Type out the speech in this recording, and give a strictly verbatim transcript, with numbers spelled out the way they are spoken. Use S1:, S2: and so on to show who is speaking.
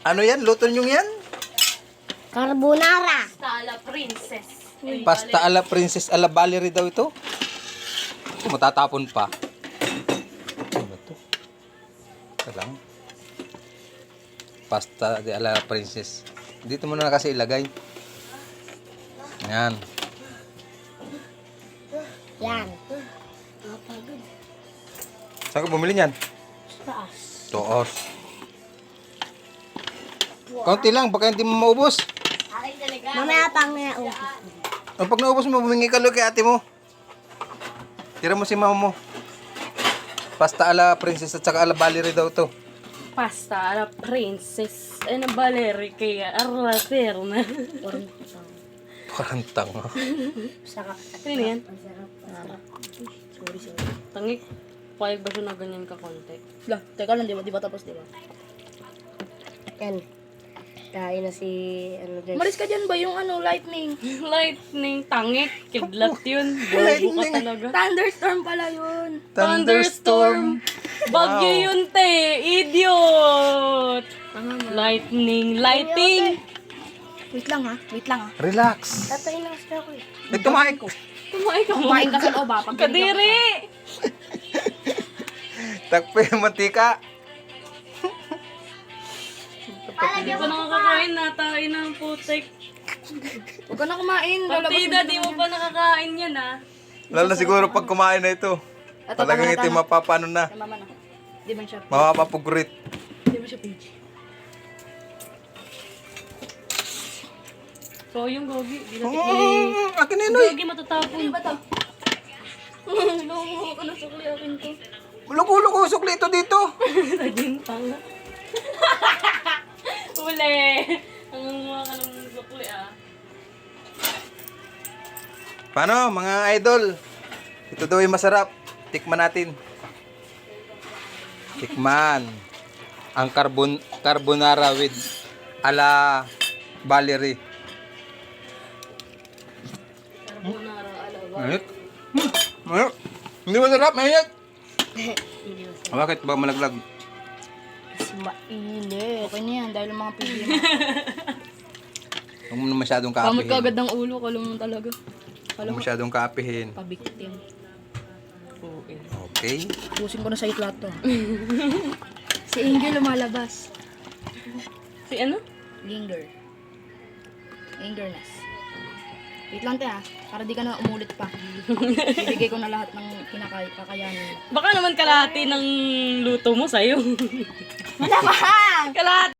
S1: Ano yan? Luto nyo yan?
S2: Carbonara.
S3: Pasta ala princess.
S1: Pasta ala Princess ala Valerie daw ito. Matatapon pa. Ano ba ito? Ito lang. Pasta de ala Princess. Dito mo na kasi ilagay. Yan.
S2: Yan.
S1: Saan ka bumili niyan?
S2: Taas.
S1: Toos. Kaunti lang, baka hindi mo maubos.
S2: Mamaya pang nga ubos.
S1: O pag naubos mo, bumingi ka lang kay ate mo. Tira mo si mama mo. Pasta ala Princess at saka ala Valerie daw to.
S3: Pasta ala princess. Ano Valerie kaya arlater na.
S1: Parang tanga.
S2: Sarap.
S3: Ano yan?
S2: Sarap.
S3: Sorry, sorry. Tangik. Payag ba siya na ganyan ka konti?
S4: Lah, teka lang, di ba? Di ba tapos, di ba?
S2: Yan. Kain na si, ano din.
S4: Malis ka dyan ba yung ano, lightning?
S3: Lightning, tangik. Kidlat yun. Bobo ka talaga.
S4: Thunderstorm pala yun.
S3: Thunderstorm. Bagyo yun, te. Idiot. Lightning, lighting.
S4: Wait lang ha, wait lang ha.
S1: Relax.
S2: Tatay na kasi ako eh.
S1: Nagtumahay ko.
S3: Kumain ka mo.
S4: Kumain ka sa loob ha. Pag
S3: Kadiri.
S1: Takpe yung mantika.
S3: Hindi pa nakakakain na. Tayo ng putik.
S4: Huwag ka na kumain. lalabas
S3: Partida,
S4: mo
S3: di
S4: naman
S3: mo
S4: yan.
S3: pa nakakain yan, ha?
S1: Lalo na siguro pag kumain na ito.
S4: Ito,
S1: Talagang
S4: tama na,
S1: ito yung
S4: tama.
S1: mapapano na.
S4: Tama na. Di man siya,
S1: Mapapapugurit.
S4: di man siya page.
S3: So, yung gogi. Di natin
S1: Mm, akin na yun,
S3: eh.
S1: oy.
S3: Gogi matatapon. Ano ba ito?
S4: Loko ka na sukli akin to.
S1: Ulo-ulo ko, sukli ito dito.
S3: Naging tanga. Uli. Ang mga ka ng sukli, ah.
S1: Paano, mga idol? Ito daw yung masarap. Tikman natin. Tikman. Ang carbon carbonara with ala Valerie.
S3: Carbonara, alawa.
S1: Mainit. Hmm. Mainit. Hindi masarap, mainit. Bakit ba malaglag?
S2: Kasi mainit.
S4: Okay na yan, dahil ang mga pili mo.
S1: Huwag mo na masyadong
S4: Kamot ka
S1: kaapihin.
S4: agad ng ulo, kalong mo talaga.
S1: Huwag mo masyadong kaapihin.
S4: Pabiktim.
S1: Okay.
S4: Pusin ko na sa lahat to. Si Angel lumalabas.
S3: Si ano?
S4: Linger. Angerness. Wait lang te ha, para di ka na umulit pa. Bibigay ko na lahat ng kinakay kakayanin.
S3: Baka naman kalahati ng luto mo sa'yo.
S4: Wala pa!
S3: Kalahati.